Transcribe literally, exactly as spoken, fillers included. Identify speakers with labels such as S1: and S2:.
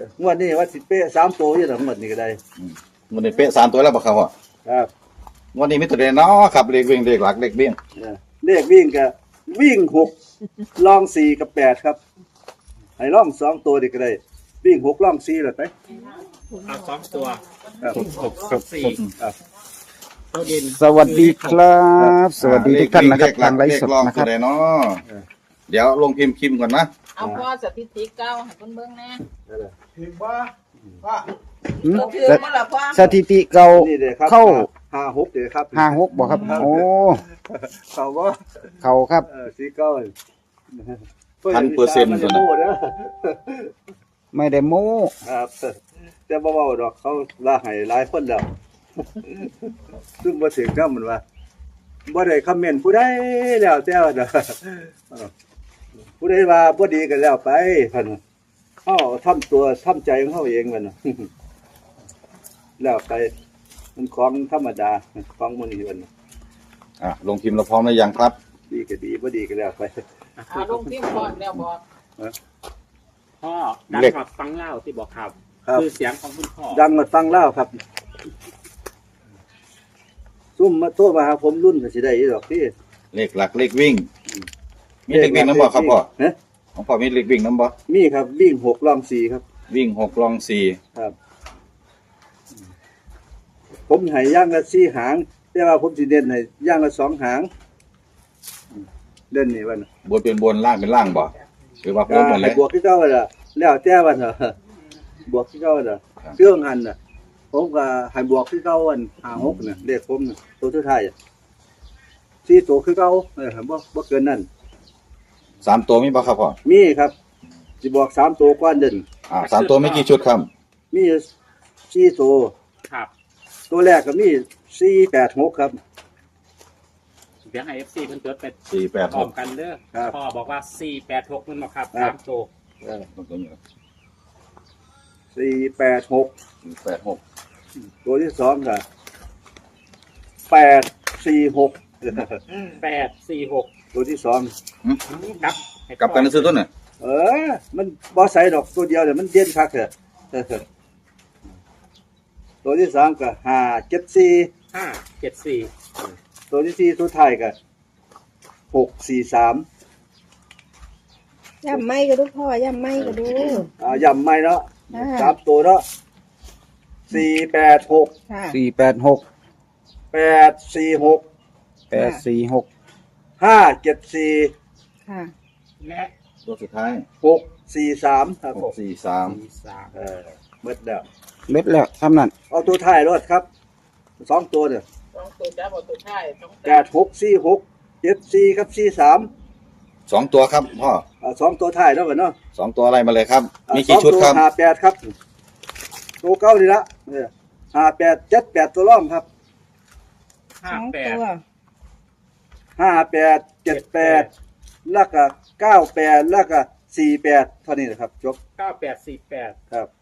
S1: งวดนี้ว่าสิเป๊ะสามตัวอยู่หรองวดนี้ก็ได้
S2: มันได้เป๊ะสามตัวแล้วบ่ครับพ่อ
S1: ครับ
S2: งวันนี้มีตัวเด่นเนาะครับเลขวิ่งเลขหลักเลขเบี้ยง
S1: เออเลขวิ่งก็วิ่งหกล่องสี่กับแปดครับให้ล่องสองตัวดีก็ได้วิ่งหกล่องสี่เลยไป
S3: เอาสองตัว
S1: ครับ
S3: หกสองสี่
S1: ครับ
S3: ตัวเด่น
S4: สวัสดีครับ สวัสดีทุกท่านนะครับ
S2: เลขวิ่
S4: ทางไล
S2: เล
S4: ฟ์
S2: ข
S4: สด
S2: ลอง
S4: นะค
S2: ตั
S4: รั
S2: ว
S4: บ
S2: ใดเนาะเดี๋ยวลงพิมพ์คิมก่อนนะ
S5: เอาพ่อสถิติเก้าให้เพิ่นเบิ่งแน่
S1: นั่นแหละ
S4: หืม
S5: ก็คือมาละพ่อ
S4: สถิติเก่า
S1: นี่เลยครับ
S4: เข้า
S1: ห้าหกเดี๋ยวครับ
S4: ห้าหกบอกครับ โอ้
S1: เขาว่า
S4: เขาครับ
S1: เออสีเก้า
S2: พันเปอร์เซ็นต์
S1: ตั
S2: ตัว ว
S1: นั้
S2: นั้น น
S4: ไม่ได้โม้
S1: ครับแต่บ่เบาดอกเขาลาให้หลายคนแล้ว ซึ่งบ่ถึงกับมันว่าบ่ได้คอมเมนต์ผู้ใดแล้วแต่ว่าเด้อเออผู้ใดว่าบ่ดีก็แล้วไปคั่นเฮาทำตัวทำใจของเฮาเองมันน่ะ แล้วไปมันของธรรมดาของมื้อนี้มันน่ะ
S2: อ่ะลงพิมพ์เราพร้อมหรือยังครับ
S1: ดีก็ดีบ่ดีก็แล้วไป
S5: เอาลงพิมพ์ก่อนแล้วบอก
S3: พ่อดัง
S2: เลข
S3: กว่าฟังเล่าที่บอกครับ
S1: ครับ
S3: คือเสียงของคุณพ่อ
S1: ดังมาฟังเล่าวครับซุ่มมาโทรมาหาผมรุ่นก็สิได้อีดอกพี่
S2: เลขหลักเลขวิ่ง มีเลขวิ่งน้ำบ่ครับพ่อ
S1: ฮะ
S2: ของพ่อมีเลขวิ่งน้ำบ่
S1: มีครับวิ่งหกล่องสี่ครับ
S2: วิ่งหกลองสี่
S1: ครับ ผมให้ย่างละสี่หาง แต่ว่าผมสิเด่นให้ย่างละสองหางเด่นนี่วัน
S2: บนเป็นบนล่างเป็นล่างบ่หรือว่าบ
S1: ก็
S2: นหมดเล
S1: ให้
S2: ย
S1: บวกที่เก้าละแล้วแต่วันเหรอบวกที่เก้าละ
S2: ครับ
S1: เครื่องหันน่ะ ผมก็ให้บวกที่เก้าวันห้าหกน่ะเลขผมน่ะตัวสุดท้ายอ่ะสี่ตัวคือเก้าเออบ่บ่เกินนั้น
S2: สามตัวมีบ่ครับพ่อ
S1: มีครับสิบอกสามตัวก้อนเด่น
S2: อ่าสามตัวไม่กี่ชุดครับ
S1: มีสี่ตัว
S3: ครับ
S1: ตัวแรกก็มีสี่แปดหกครับ
S3: เดี๋ยวให้เอฟซีเพิ่นเกิดไป
S2: สี่แปด
S3: พร้
S2: ห
S3: อก มกันเด้อ
S1: ครับ
S3: พ่อบอกว่าสี่แปดหกมันมาครับ
S1: ครับ
S3: สามตัว
S1: สี่แปดหก
S2: สี่แปดหก
S1: ตัวที่สองก็แปดสี่หก
S3: แปดสี่หก
S1: ตัวที่สอง
S3: ครับให้
S2: กลับกันซื้อต้นน่ะ
S1: เออ มันบอใส่ดอกตัวเดียวเดี๋ยวมันเด่นคักเถอะ ตัวที่สามก็ห้าเจ็ดสี่
S3: ห้าเจ็ดสี่
S1: ตัวที่สี่ตัวท้ายก็หกสี่สาม
S6: ย่ำไม่ก็ดูพ่อย่ำไม่ก็ดู
S1: อ่าย่ำไม่เนาะ
S6: อ่า
S1: สามตัวเนาะสี่แปดหก
S6: ค่ะ
S4: สี่แปดหก
S1: แปดสี่หก
S4: แปดสี่หก
S1: ห้าเจ็ดสี่
S6: ค่ะ
S3: และ
S2: ตัวสุดท้าย
S1: หกสี่สามครับ
S2: หกสี่สาม
S3: สี่สาม
S1: เออเบิดแล้ว
S4: เม็ดแล้วทำนั่น
S1: เอาตัวท้ายรถครับสองตัวเนี่ย
S5: สองตัวจ้าบอกตัวท้ายสอง
S1: แปดหกสี่หกเจ็ดสี่ครับสี่สาม
S2: สองตัวครับพ่อ
S1: อ่าสองตัวท้ายแล้วกันเนาะ
S2: สองตัวอะไรมาเลยครับ
S1: อ่า
S2: มีกี่ชุดครับ
S1: สองตัวห้าแปดครับ ตัวเก้านี่ละเนี่ยห้าแปดเจ็ดแปดตัวร่องครับ
S3: ห้า
S6: สอง
S3: แปด
S6: ตัว
S1: ห้าแปดเจ็ดแปดแล้วก็เก้าแปดแล้วก็สี่แปดเท่านี้นะครับจบ
S3: เก้าแปดสี่แปด
S1: ครับ